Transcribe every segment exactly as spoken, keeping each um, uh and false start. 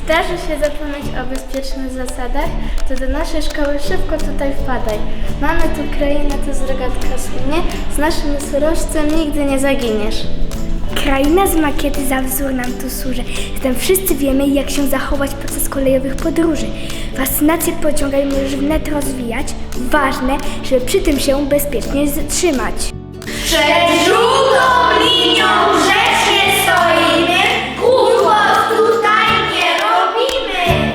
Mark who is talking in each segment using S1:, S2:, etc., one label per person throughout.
S1: zdarzy się zapomnieć o bezpiecznych zasadach, to do naszej szkoły szybko tutaj wpadaj. Mamy tu krainę, to z rogatka słynie, z naszym nosorożcem nigdy nie zaginiesz.
S2: Kraina z makiety za wzór nam tu służy. Zatem wszyscy wiemy, jak się zachować podczas kolejowych podróży. Fascynację pociąga i możesz wnet rozwijać. Ważne, żeby przy tym się bezpiecznie zatrzymać.
S3: Przed żółtą linią grzecznie stoimy, głupot tutaj nie robimy.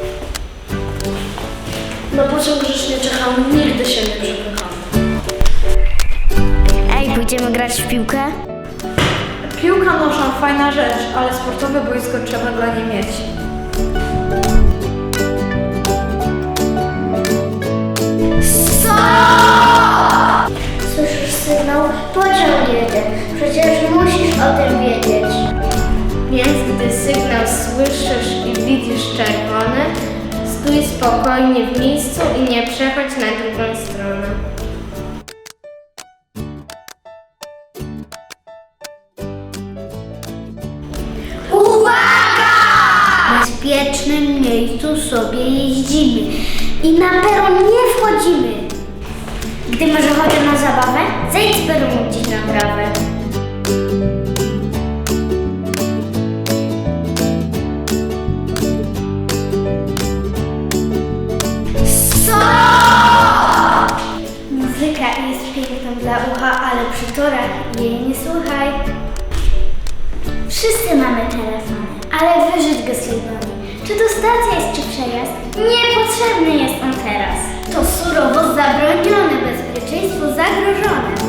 S1: Na pociąg grzecznie czekam, nigdy się nie przepycham.
S2: Ej, pójdziemy grać w piłkę?
S4: Piłka nożna fajna rzecz, ale sportowe boisko trzeba dla niej mieć.
S2: Słyszysz sygnał? Pociąg jedzie. Przecież musisz o tym wiedzieć.
S1: Więc gdy sygnał słyszysz i widzisz czerwony, stój spokojnie w miejscu i nie przechodź na drugą stronę.
S2: W bezpiecznym miejscu sobie jeździmy i na peron nie wchodzimy. Gdy masz ochotę na zabawę, zejdź z peronu gdzieś na trawę. Muzyka jest piękna dla ucha, ale przy torach jej nie słuchaj. Wszyscy mamy telefony, ale wyżyć go z tej broni. Czy to stacja jest, czy przejazd? Niepotrzebny jest on teraz. To surowo zabronione, bezpieczeństwo zagrożone.